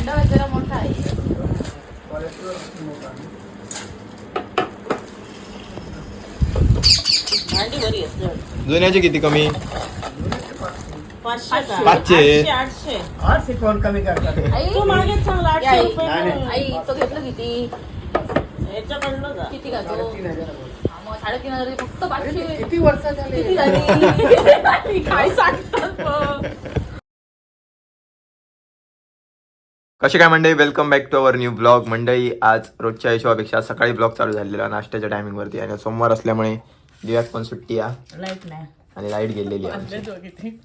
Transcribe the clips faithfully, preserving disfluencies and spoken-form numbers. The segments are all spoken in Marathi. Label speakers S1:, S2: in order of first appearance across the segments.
S1: भांडवल जरा मोठा आहे. भांडी बरी असते.
S2: जुन्याचे किती कमी?
S3: पाचशे का?
S2: पाचशे.
S3: आठशे आठशे
S4: आठशे कोण कमी करतात?
S1: आई
S3: तू मागे चांगला आठशे
S1: आई,
S3: रुपये
S4: नाही,
S3: करून.
S1: आई तो घेतलं किती?
S3: याच्याकडलं का?
S1: किती का तो?
S4: साडेतीन हजार.
S1: हा, मग साडेतीन हजार फक्त पाचशे.
S4: किती वर्ष झाले?
S1: किती झाली? काय सांगतात मग?
S2: कसे काय मंडळी, welcome back to our new blog. मंडळी आज रोजच्या हिशोबापेक्षा सकाळी ब्लॉग चालू झालेला नाश्त्याच्या टायमिंग वरती आणि सोमवार असल्यामुळे दिव्यात पण सुट्टी आहे
S3: लाईट नाही.
S2: आणि लाईट गेलेली आहे आमची.
S3: वाजले तो किती?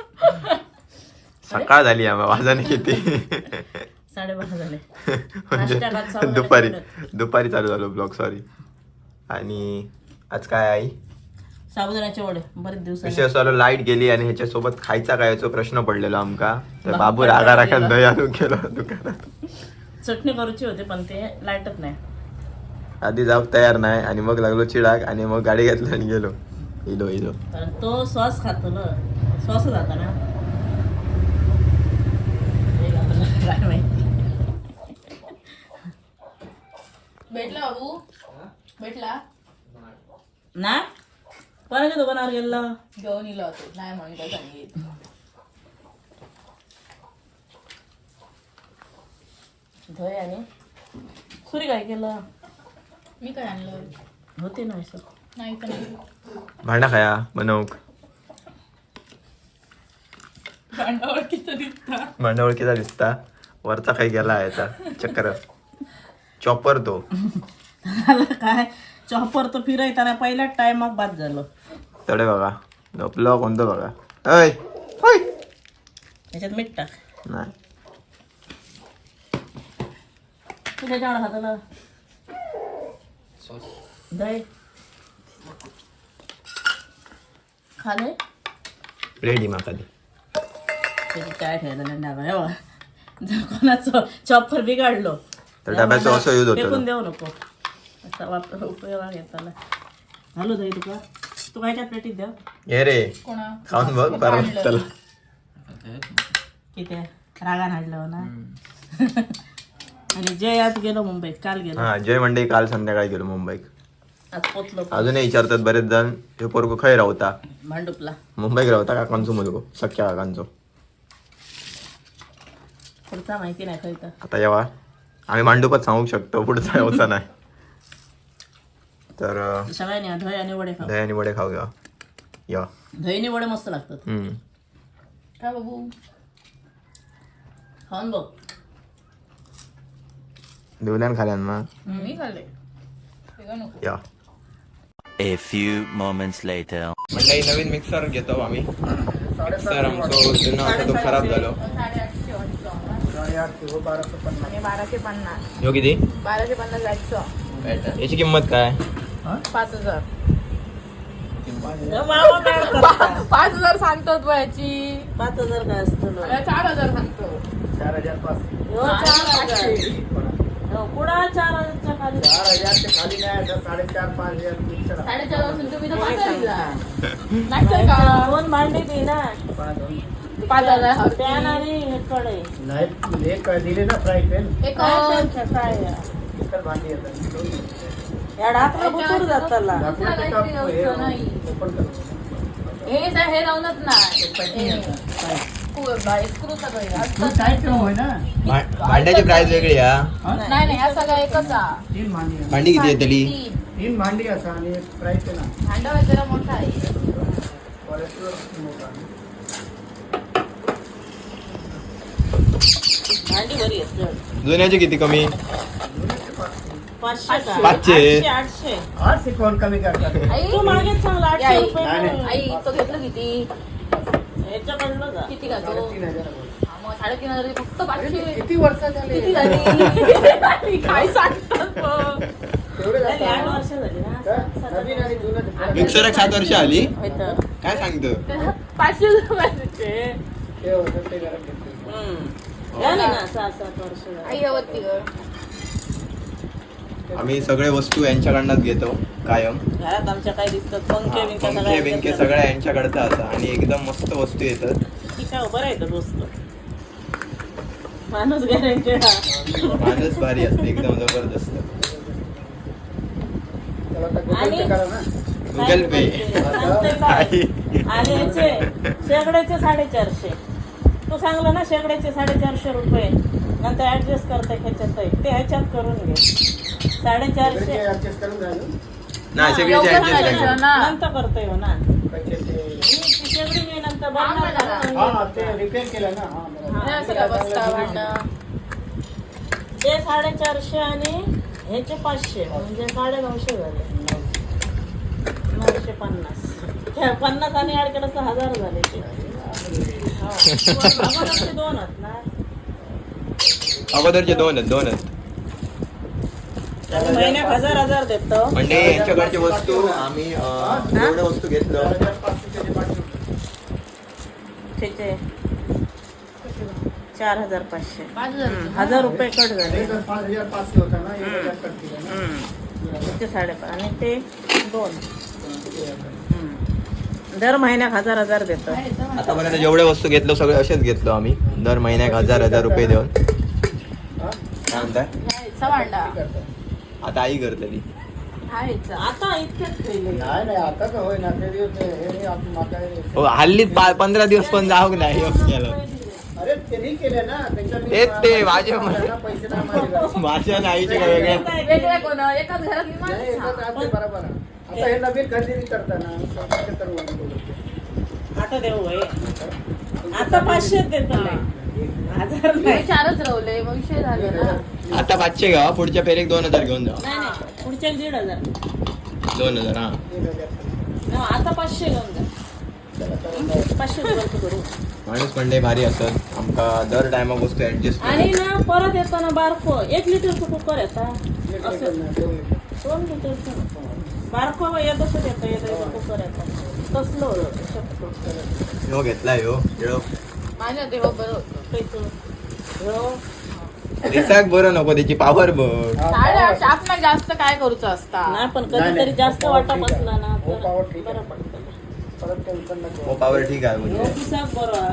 S2: सकाळ झाली आहे वाजाने किती
S3: साडेबारा झाले.
S2: म्हणजे
S3: नाश्त्याला चालू
S2: दुपारी
S3: झालं.
S2: दुपारी चालू झालो ब्लॉग, सॉरी. आणि आज काय आई
S3: साबुदाण्याचे वडे बरेच दिवस
S2: विषय असं आलो, लाईट गेली आणि ह्याच्यासोबत खायचा काय याचा प्रश्न पडलेला आमका. तर बाबू रागा राखा दही आणून गेलो दुकानात.
S3: चटणी करूची होती पण ते लाईटच नाही.
S2: आधी जाऊ तयार नाही आणि मग लागलो चिडाक आणि मग गाडी घेतली आणि गेलो. इलो इलो
S3: कारण तो सॉस खातो ना, सॉस जाता ना. हे घातलं, काय माहिती.
S1: भेटला बाबू? भेटला?
S3: ना कोणाच्या दुकानावर गेलो?
S1: घेऊन इलो होतो. नाही म्हणून काय सांगितलं.
S3: धोय आणि सुरी काय केलं?
S1: मी काय आणलं?
S3: होते ना असं.
S1: नाही तर नाही.
S2: भांडा खाया बनवूक.
S1: भांडा ओळखीचं दिसता.
S2: भांडा ओळखीचा दिसता. वरचा काही गेला याचा चक्कर चॉपर तो.
S3: काय चॉपर तो फिरायताना पहिल्या टायमात बाद झालं.
S2: तडे बघा झोपलो कोणतं बघा. अय होय
S3: त्याच्यात मीठ टाक.
S2: नाही
S3: तू त्याच्यावर हाताला दही खाले
S2: रेडी माका दे.
S3: त्याची काय ठेवायला नाही डाबा. हे बघा, जर कोणाचं चॉपर बिघडलो
S2: तर डब्याचं असं यूज होतं
S3: फेकून
S2: ना.
S3: देऊ नको. असा वापर उपयोग घेताना घालू दही तुका. तू कायच्या प्लेटीत द्या
S2: ये रे
S1: कोणा?
S2: खाऊन बघ बरं चला.
S3: किती रागान हाडलं ना. आणि जय आज गेलो मुंबईत, काल गेलो.
S2: हा जय मंडई काल संध्याकाळी गेलो मुंबईत.
S3: आज पोचलो
S2: अजूनही विचारतात बरेच जण हे पोरगो खय रावता.
S3: भांडुपला.
S2: मुंबईत रावता काकांचो मुलगो, सख्या काकांचो.
S3: पुढचा माहिती नाही खरं तर.
S2: आता येवा आम्ही मांडूपच सांगू शकतो, पुढचा यावचा नाही. तर अं,
S3: सगळ्यांनी दही आणि वडे खाऊ.
S2: दही आणि वडे खाऊ घ्या या.
S3: दहीने वडे मस्त लागतात.
S2: हम्म.
S1: काय बाबू?
S3: खाऊन बघ.
S2: देवल्यान खाल्यान मग
S1: मी खाल्ले. वेगळं नको.
S2: या.
S5: A few moments later.
S2: मंडळी नवीन मिक्सर घेतो आम्ही. मिक्सर आमचो जुना होता तो खराब झालो.
S1: साडेआठशे वाटतो आम्हाला.
S4: साडेआठशे हो, बाराशे पन्नास.
S1: आणि बाराशे पन्नास.
S2: ह्यो किती?
S1: बाराशे पन्नास जायचं.
S2: याची किंमत काय?
S1: पाच हजार.
S3: मामा काय करता?
S1: पाच हजार सांगतो तू याची.
S3: पाच हजार काय असतं?
S1: मला चार हजार सांगतो.
S4: चार हजार पाच.
S3: हो, चार हजार. हो, पुढं चार हजारच्या खाली.
S4: चार हजारच्या खाली नाही, तर साडेचार पाच हजार मिक्सर.
S1: साडेचार वाजून तुम्ही तर पाच हजार दिला. नाही का?
S3: दोन भांडी दे ना.
S4: पाच.
S1: पाच हजार.
S3: पॅन आणि हे कडे.
S4: नाही एक दिले ना फ्राय पॅन.
S1: एक
S3: काय त्यांचं काय आहे?
S4: इतर भांडी येतात.
S3: या डाकला बुतूर जाताला.
S4: दाखवून ते टाक, हे ओपन कर.
S1: हे हे राहूनच नाही. स्क्रू सगळे असतात.
S4: काय केलं होय ना?
S2: भा- भांड्याची प्राइस वेगळी हा.
S1: नाही नाही हा सगळा एकच आहे.
S4: तीन भांडी आहे.
S2: भांडी किती येतली?
S1: तीन.
S4: तीन भांडी असा आणि एक फ्राय पॅन आहे.
S1: भांडवल जरा मोठा आहे.
S4: क्वालिटीवर मोठा आहे.
S3: भांडी बरी असते.
S2: जुन्याचे किती कमी?
S3: पाचशे का?
S2: पाचशे.
S3: आठशे आठशे
S4: आठशे कोण कमी करतात?
S1: आई
S3: तू मागे चांगला आठशे
S1: आई,
S3: रुपये
S4: नाही,
S3: करून.
S1: आई तो घेतलं किती?
S3: याच्याकडलं का?
S1: किती का तो?
S4: साडेतीन हजार.
S1: हा, मग साडेतीन हजार फक्त पाचशे.
S4: किती वर्ष झाले?
S1: किती झाली? काय सांगतात मग?
S4: तेवढे
S3: नाही, आठ
S4: जातात.
S3: वर्ष झाली ना.
S4: का? नवीन आणि जुनं
S2: मिक्सर एक सात वर्ष आली.
S3: होय तर.
S2: काय सांगतो?
S1: पाचशे रुपयाचे.
S4: ते होतं ते घरात घेतले.
S3: हम्म. झाली ना सहा सात वर्ष झाली.
S1: आई हवती ग.
S2: आम्ही सगळे वस्तू यांच्याकडनंच घेतो कायम.
S3: घरात आमच्या काय दिसतात पंखे बिंके
S2: पंखे
S3: सगळ्या
S2: बिंके सगळ्या यांच्याकडचं असं आणि एकदम मस्त वस्तू येतात.
S3: ठीक आहे बरं आहे तर दोस्त. माणूस गॅरंटी
S2: माणूस भारी असते एकदम जबरदस्त.
S4: त्याला आता गुगल
S3: आणि-
S4: पे करा ना.
S2: Google Pay.
S3: आणि याचे शेकड्याचे साडेचारशे तू सांगलं ना शेकड्याचे साडेचारशे रुपये नंतर ऍडजस्ट करता ह्याच्यात ते ह्याच्यात करून घे साडेचारशे
S4: ऍडजस्ट करून झालं
S2: नाही सगळीचे
S1: लवकर
S2: ऍडजस्ट
S1: करायचं
S2: आहे.
S1: ना.
S3: नंतर करतोय हो ना
S4: पैशाचे.
S3: ही शेगडी मी नंतर
S1: हा,
S3: बनणार
S4: हा
S3: ना.
S4: ते रिपेअर केलं ना. हा बरोबर.
S1: हे सगळं बसता भांडं.
S3: ते साडेचारशे आणि ह्याचे पाचशे म्हणजे साडे नऊशे झाले नऊशे पन्नास त्या पन्नास आणि ऍड केलं तर हजार झाले ते हा. अगोदरचे दोन आहेत ना
S2: अगोदरचे दोन आहेत दोन आहेत
S3: आणि महिन्यात हजार हजार देतो
S2: म्हणजे यांच्याकडची वस्तू आम्ही अं, एवढ्या वस्तू घेतलं.
S4: चार हजार पाचशे त्याचे पाचशे रुपये.
S3: त्याचे चार हजार पाचशे
S1: पाच हजार
S3: हम्म, हजार रुपये कट झाले
S4: एक पाच हजार पाचशे होता ना एक हजार कट केला ना.
S3: हम्म. त्याचे साडेपाच आणि ते दोन
S4: ते हजार.
S3: हम्म. दर महिन्यात हजार हजार देतो
S2: आतापर्यंत जेवढ्या वस्तू घेतलो सगळे असेच घेतलो आम्ही दर महिन्याक हजार हजार रुपये देऊन.
S4: हा?
S2: काय म्हणताय
S1: ह्याचा भांडा
S4: किती करता?
S2: आता आई करतली.
S1: हा ह्याचा.
S3: आता इतकेच केले
S4: नाही नाही आता तर होय ना ते दिवस हे नाही आपण माका
S2: हो हल्लीच पा- पंधरा दिवस पण जाऊ नाही केलं.
S4: अरे त्यांनी केले ना त्याच्या मी-
S2: तेच ते, माझे-
S4: त्यांना पैसे नाही माझ्याकडे.
S2: माझ्या नाहीचे काय वेगळे
S1: वेगळे कोण एकाच घरात
S4: नाही,
S1: निवांत
S4: एकच राहते बरोबर आहे. आता हे नवीन खरेदी करताना स्वतःचे करू आम्ही बोलतो.
S3: आता देऊ होय. आता पाचशे देतो हजार
S1: मी
S3: नाही
S1: चारच रवले मग विषय झाले ना
S2: आता पाचशे घ्या पुढच्या फेरीक दोन हजार घेऊन जाऊ.
S3: नाही नाही पुढच्या दीड हजार
S2: दोन हजार हा
S4: एक हजार.
S3: हा, आता पाचशे घेऊन जा
S4: चला, चला,
S3: पाचशे रुपये करू
S2: माणूस म्हणले भारी असत आमका दर टायमाक वस्तू ऍडजस्ट
S3: आणि ना परत येताना बारको एक लिटरचं कुकर येता
S4: एक
S3: असं
S4: लिटर नाही, दोन लिटर.
S3: दोन लिटरचं बारको येतच येतं येतं कुकर येतं कसलो शकतो
S2: ह्यो घेतलाय ह्यो ह्यो
S1: माझ्या देवा बरं होतं
S3: पैसे हो
S2: दिसाक बरं नको त्याची पावर बघ.
S4: हा,
S1: साडेआठशे आपण जास्त काय करूच असता
S3: नाही पण
S4: नाही,
S3: कधीतरी
S4: नाही.
S3: जास्त
S4: हो,
S3: वाटा
S4: ठीक आहे.
S3: बसला ना
S4: हो,
S3: तर
S4: पावर ठीक आहे.
S3: बरं पडतं
S4: परत टेन्शन नको.
S2: हो पावर ठीक आहे
S3: हो,
S2: म्हणजे
S3: पिसाक बरं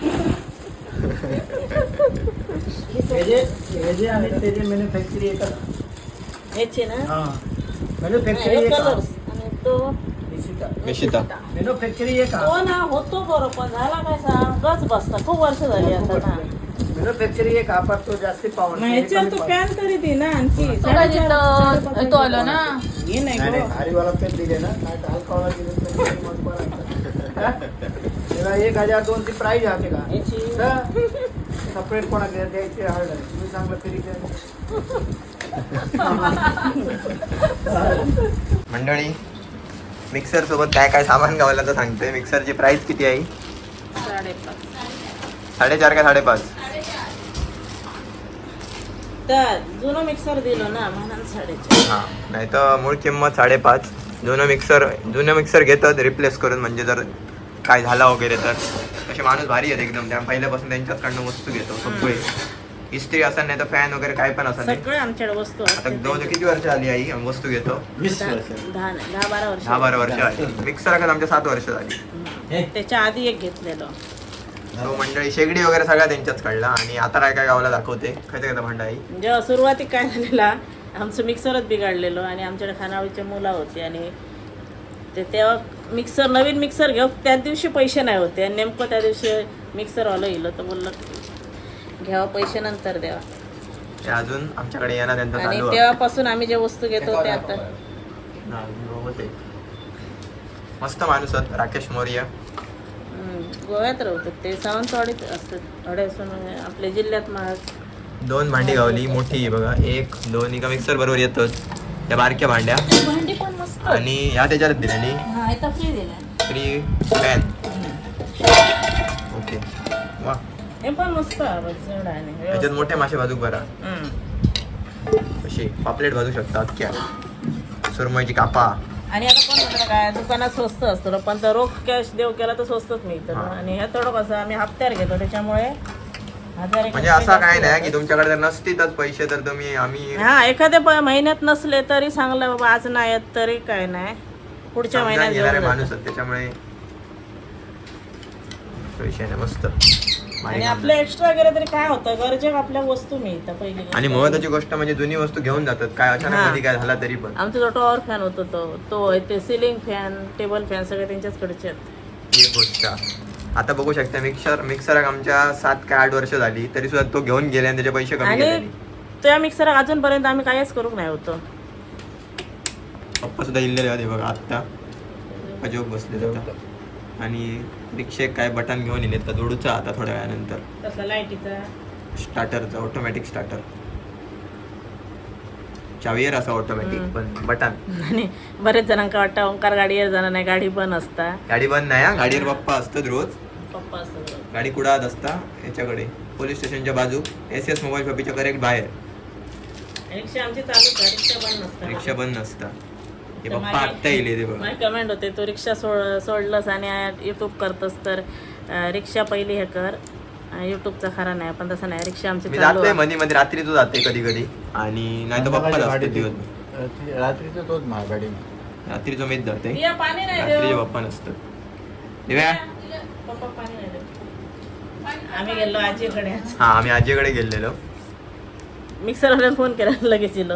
S4: हे जे हे जे आणि ते जे मॅन्युफॅक्चरी येतात
S3: ह्याचे ना
S4: हा मॅन्युफॅक्चरी एक
S3: कलर्स आणि तो
S2: निशिता
S4: मॅन्युफॅक्चरी एक
S3: हो ना होतो बरं पण झाला काय सांग गच बसता खूप वर्ष झाली आता ना
S4: मॅन्युफॅक्चरी एक हा तो जास्ती पावर
S3: मग ह्याच्यावर तो पॅन तरी दे ना आणखी
S1: तो काय तिथं तो आलो ना
S3: हे नाही
S4: नाही
S3: गं.
S4: हरिवाला पेन दिले ना नाही तर हलकावाला दिले तर मग बरं आहे. हा? त्याला एक हजार दोनची प्राईज आहे का
S3: याची
S4: सपरेट कोणा द्यायची हळद आहे तुम्ही चांगलं फिरी
S2: मंडळी मिक्सर सोबत काय काय सामान गावला तर सांगतोय मिक्सरची प्राइस किती आहे
S3: साडेपाच
S2: साडेचार का साडेपाच
S3: तर जुनं मिक्सर दिलं ना म्हणून साडेचार
S2: हा नाही तर मूळ किंमत साडेपाच जुनं मिक्सर जुनं मिक्सर घेतात रिप्लेस करून म्हणजे जर काय झाला वगैरे तर असे माणूस भारी आहेत एकदम त्या पहिल्यापासून त्यांच्याचकडनं वस्तू घेतो सगळे इस्त्री असं नाही तर फॅन वगैरे काय पण असं नाही
S3: सगळे आमच्याकडे वस्तू
S2: आता जवळ किती वर्ष आली आई आम्ही वस्तू घेतो
S3: दहा दहा नाही, दहा बारा वर्ष
S2: दहा बारा वर्ष आली मिक्सर का आमच्या सात वर्ष झाली
S3: त्याच्या आधी एक घेतलेलं
S2: तो मंडळी शेगडी वगैरे सगळ्या त्यांच्याच काढला आणि आता काय काय गावाला दाखवते खायचं का भांडा आई
S3: जेव्हा सुरुवातीत काय झालेला आमचं मिक्सरच बिघडलेलो आणि आमच्याकडे खानावळीचे मुलं होते आणि ते तेव्हा मिक्सर नवीन मिक्सर घेऊ त्याच दिवशी पैसे नाही होते आणि नेमकं त्या दिवशी मिक्सरवालं येलं तर बोललं घ्यावं पैसे नंतर द्यावा
S2: हे अजून आमच्याकडे येणार त्यांचं
S3: आणि
S2: चालू आहे.
S3: तेव्हापासून आम्ही जे वस्तू घेतो ते आता
S2: हा, होते. मस्त माणूस आहेत राकेश मौर्य
S3: हम्म, गोव्यात राहतात ते सावंतवाडीत असतात अडेसून आपल्या जिल्ह्यात महाग
S2: दोन भांडी गावली मोठी आहे बघा एक दोन एका मिक्सर बरोबर येतच त्या बारक्या भांड्या
S3: भांडी पण मस्त
S2: आणि ह्या त्याच्यात दिल्याने
S3: हा इथं फ्री दिला
S2: फ्री पॅन ओके वा
S3: हे पण मस्त आहे जड आहे
S2: याच्यात मोठे मासे भाजूक बरा
S3: हम्म.
S2: अशी पापलेट भाजू शकतात क्या सुरमईची कापा
S3: आणि आता कोण म्हणतं काय दुकानात स्वस्त असतं पण तर रोख कॅश देव केला तर स्वस्तच मिळतं
S2: हा.
S3: आणि ह्या थोडं कसं आम्ही हप्त्यावर घेतो त्याच्यामुळे हजार एक
S2: म्हणजे
S3: रुपये
S2: असं काय
S3: जास्त
S2: नाही की
S3: जातात.
S2: तुमच्याकडे जर नसतीलच पैसे तर तुम्ही आम्ही
S3: हा एखाद्या प- महिन्यात नसले तरी चांगलं बाबा आज नाही येत तरी काय नाही पुढच्या महिन्यात
S2: समजावून घेणारे
S3: घेऊन
S2: माणूस
S3: जातो.
S2: आहेत त्याच्यामुळे विषय नाही मस्त
S3: आणि आपलं एक्स्ट्रा गेलं तरी काय होतं गरजेक आपल्या वस्तू मिळतात पहिली गोष्ट.
S2: आणि महत्वाची गोष्ट म्हणजे जुनी वस्तू घेऊन जातात काय अचानक
S3: हा.
S2: मध्ये काय झाला तरी पण
S3: आमचा जो टॉवर फॅन होतो तो तो आहे ते सिलिंग फॅन टेबल फॅन सगळे त्यांच्याचकडचे आहेत.
S2: ही गोष्ट आता बघू शकता मिक्सर मिक्सर आमच्या सात काय आठ वर्ष झाली तरी सुद्धा तो घेऊन गेले आणि त्याचे पैसे कमी
S3: आणि
S2: गेले
S3: त्या मिक्सर अजूनपर्यंत आम्ही काहीच करूक नाही होतो.
S2: पप्पा सुद्धा इल्लेले होते बघा आत्ता अजोग बसले होता आणि रिक्षेक काय बटन घेऊन येले तर जोडूचा आता थोड्या वेळानंतर
S3: तसला लाईटीचा
S2: स्टार्टरचा ऑटोमॅटिक स्टार्टर चावीयर असा ऑटोमॅटिक पण बटन
S3: आणि बरेच जणांका वाटतं ओंकार गाडीवर जाणार नाही गाडी पण असता
S2: गाडी बंद नाही हा गाडीवर पप्पा असतात रोज
S3: पप्पा असतात.
S2: गाडी कुडात असता याच्याकडे पोलीस स्टेशनच्या बाजू एस एस मोबाईल शॉपीच्या करेक्ट बाहेर
S3: रिक्षा आमची चालूच आहे रिक्षा पण नसतं.
S2: रिक्षा बंद नसता हे
S3: तर
S2: पप्पा
S3: माझी-
S2: आत्ता येईल ते बघा
S3: माझी कमेंट होते तू रिक्षा सोड सोडलंस आणि युट्यूब करतोस तर अं, रिक्षा पहिली हे कर युट्यूबचा खरा नाही पण तसं नाही रिक्षा आमची
S2: मी
S3: चालू
S2: जाते
S3: आहे.
S2: मध्ये मध्ये रात्री तू जाते कधी कधी आणि नाही तर पप्पा
S4: गाडी
S2: असतो दिवस
S4: रात्री- रात्रीचं तोच महागाडी
S2: रात्री जो मीच जाते
S3: दिया पाणी नाही
S2: रात्री
S3: देऊ.
S2: पप्पा नसतं दिव्या
S3: पप्पा पाणी नाही देऊ. आम्ही गेलो आजीकडे
S2: हा आम्ही आजीकडे गेलेलो
S3: मिक्सरवाल्याला फोन केला लगेच येलो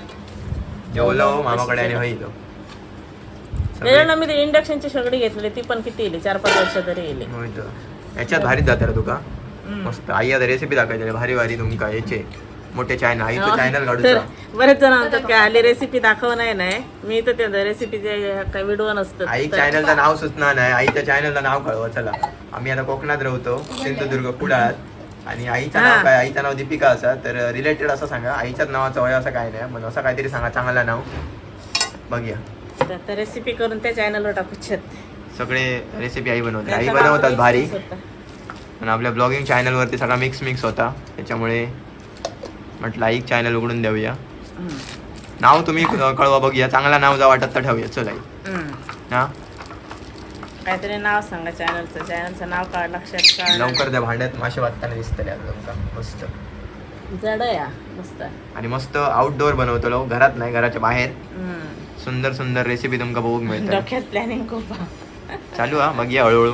S2: जेवलो मामाकडे आणि होईल
S3: त्याच्यानं मी ते इंडक्शनची सगळी घेतली ती पण किती येली चार पाच वर्ष तरी येली.
S2: याच्यात भारीच जाते रे तुका मस्त आई आता रेसिपी दाखवायची भारी भारी तुमका याचे मोठे चॅनल आईचं चॅनल
S3: तर
S2: काढूचा
S3: बरेच जण म्हणतात की आली रेसिपी दाखव नाही नाही मी तर त्या रेसिपीचे काही व्हिडिओ नसतात
S2: आई
S3: तर-
S2: चॅनलचं नाव सुचणार नाही आईच्या चॅनलचं नाव कळवा चला आम्ही आता कोकणात राहतो सिंधुदुर्ग कुडाळात आणि आईचं
S3: हा.
S2: नाव काय आईचं नाव दीपिका असा तर रिलेटेड असं सांगा आईच्याच नावाचं वय असं काय नाही पण असं काहीतरी सांगा चांगलं नाव बघूया
S3: तर- तर रेसिपी करून त्या चॅनलवर टाकू शकते.
S2: सगळे रेसिपी आई बनवते आई
S3: त्यांचा
S2: बनवतात
S3: mix
S2: भारी
S3: होता.
S2: आणि आपल्या ब्लॉगिंग चॅनलवरती सगळा मिक्स मिक्स होता त्याच्यामुळे म्हटलं आई चॅनल उघडून देऊया
S3: हम्म.
S2: नाव तुम्ही कळवा बघूया चांगला नाव जा वाटत तर ठेवूया चल आई
S3: हम्म.
S2: हा
S3: काहीतरी नाव सांगा चॅनलचं चॅनलचं नाव काढ लक्षात काढ
S2: लवकर त्या भांड्यात मासे वाटताना दिसतले तुमका मस्त
S3: जड या मस्त
S2: आणि मस्त आउटडोअर बनवतो घरात नाही घराच्या बाहेर
S3: हम्म.
S2: सुंदर सुंदर रेसिपी तुमका बघूक मिळतात
S3: डोक्यात प्लॅनिंग खूप आहे.
S2: चालू हा बघूया हळूहळू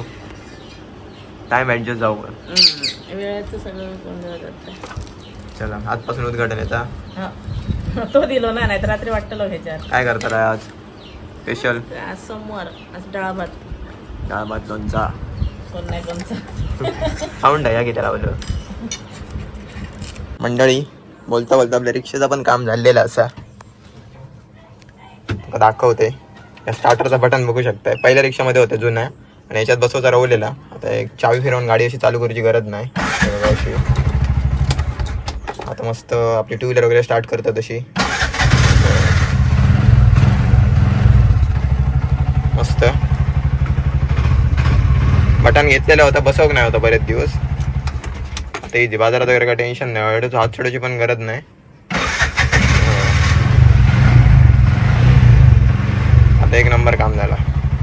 S2: टाइम ऍडजस्ट जाऊ
S3: हम्म. वेळेचं सगळं गोंधळ जातं.
S2: चला आजपासून उद्घाटन येता
S3: हा. तो दिलो ना नाही तर रात्री वाटलं ह्याच्यात
S2: काय करतात आज स्पेशल
S3: आज सोमवार आज डाळ भात
S2: डाळ भात लोणचा
S3: कोण नाही कोणचा
S2: खाऊन टाका की त्याला बोल मंडळी बोलता बोलता आपल्या रिक्षेचा पण काम झालेलं असा तुका दाखवते या स्टार्टरचं बटन बघू शकताय पहिल्या रिक्षामध्ये होतं जुना आणि याच्यात बसवता राहलेला आता एक चावी फिरवून गाडी अशी चालू करायची गरज नाही हे बघा अशी आता मस्त आपली टू व्हीलर वगैरे स्टार्ट करतात तशी मस्त बटन घेतलेलं होतं बसवक नाही होतं बरेच दिवस आता इथे बाजारात वगैरे काय टेन्शन नाही एवढं हात सोडायची पण गरज नाही आता एक नंबर काम झाला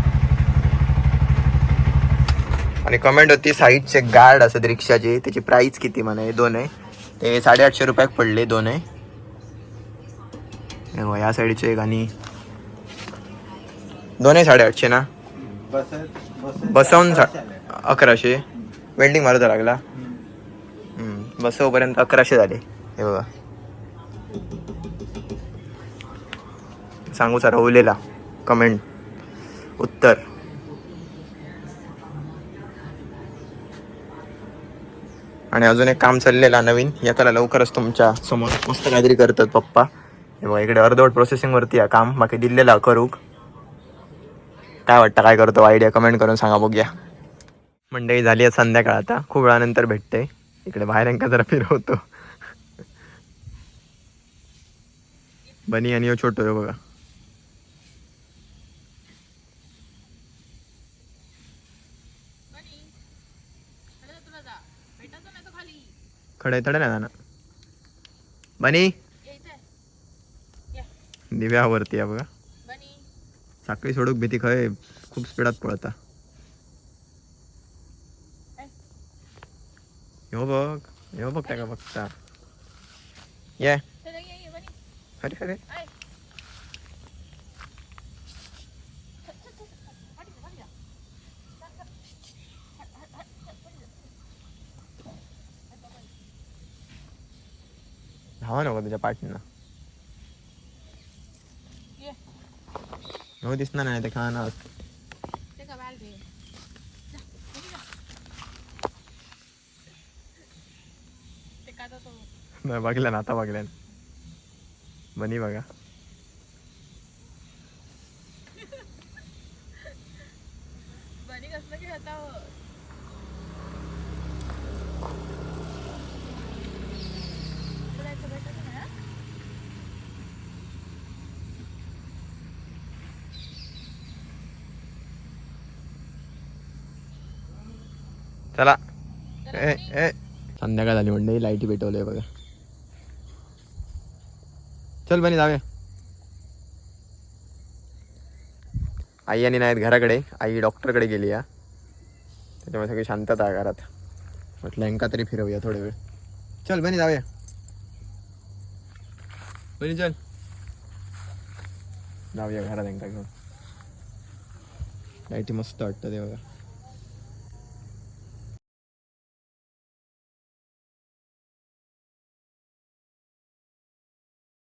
S2: आणि कमेंट होती साईडचे गार्ड असत रिक्षाचे त्याची प्राइस किती म्हणे दोन आहे ते साडेआठशे रुपयाक पडले दोन आहे या साईडचे एक आणि दोनही साडेआठशे ना बसवून सा अकराशे वेल्डिंग मारायचा लागला बसवपर्यंत अकराशे झाले हे बघा सांगू सर ओलेला कमेंट उत्तर आणि अजून एक काम चाललेला नवीन याला लवकरच तुमच्या समोर मस्त काहीतरी करतात पप्पा हे बघा इकडे अर्धवट प्रोसेसिंगवरती आहे काम बाकी दिलेला करूक काय वाटतं काय करतो आयडिया कमेंट करून सांगा बघूया मंडळी झाली आहे संध्याकाळ आता खूप वेळानंतर भेटते इकडे बाहेर यांका जरा फिरवतो बनी आणि हो छोटो आहे बघा खडे तडे ना ना बनी दिव्यावरती आहे बघा साखळी सोडूक भीती खय खूप स्पीडात पळता हो बघ हो बघ त्या बघता ये अरे अरे धावा नको तुझ्या पाठीनं
S1: ये.
S2: हो दिसणार नाही ते खाणार
S1: ते का बाल घे. जा, घरी जा. ते का तो
S2: नाही बघल्या ना आता बघल्या बनी बघा
S1: बनी कसलं की होता हो. जायचं भेटायचं नाही, हा?
S2: चला ए ए संध्याकाळ झाली म्हणजे लाईटी पेटवलंय बघा चल बनी जाऊया आई आणि नाहीत घराकडे आई डॉक्टरकडे गेली या त्याच्यामुळे सगळी शांतता आहे घरात म्हटलं यांका तरी फिरवूया थोडे वेळ चल बनी जाऊया बनी चल जाऊया घरात यांका घेऊन लाईटी मस्त वाटतं ते बघा